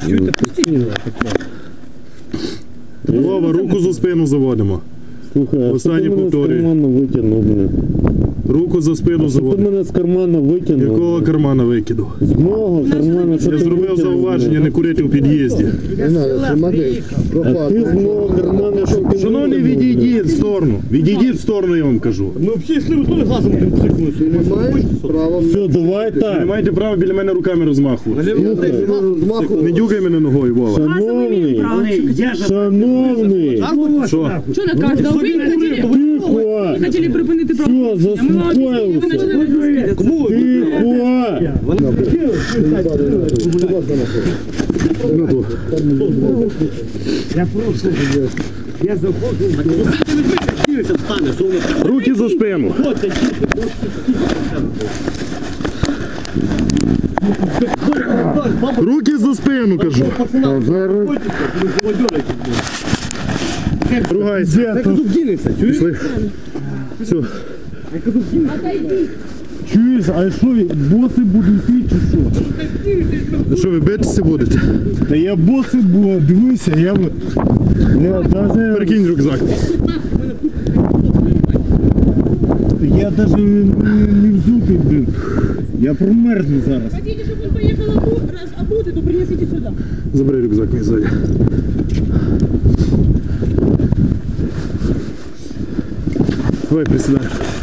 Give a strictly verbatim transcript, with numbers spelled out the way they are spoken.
Чуєте, постійно таке. Вова, руку за спину заводимо. Слухай, а Останнє що ти мене з повторюю. кармана витягнув, блін? Руку за спину Що ти заводимо. мене з кармана витягнув? Якого кармана викиду? З мого кармана, що Я ти зробив витягнув, зауваження блін? не курити у під'їзді. Не надо, смотри. А ти з мого кармана, що ти Шановний, витягнув, блін? відійдіть в сторону. Відійдіть в сторону, я вам кажу. Ми взагалі йшли, ви теж глазом тим психнули. Не маєш права. Все, давай Ви не так. маєте права біля мене руками розмахувати. Змаху. Не дюкай мене ногою, Вова. Шановний, шановний, Що? Що на кожного? Ви хотіли, тихо, ви хотіли припинити все, правопорушення. Ми вам об'яснили, ви заспокоївся. почали розповідати. Кому? Тихо. Я прошу. Я заходжу. Встане, що воно так. Руки за спину. Руки за спину, кажу. Ругайся. Так тут дінеться, чуєш? Пішли. Все. Чуєш, а що, боси будуть йти чи що? Ну що, ви битися будете? Та я боси буду, дивися, я б... Я даже... Перекинь рюкзак. Я даже не, не взутий, блин. Я промерзну зараз. Хотите, чтобы он поехал обу- раз обутый, то принесите сюда. Забери рюкзак мій ззаді. Давай, присідай.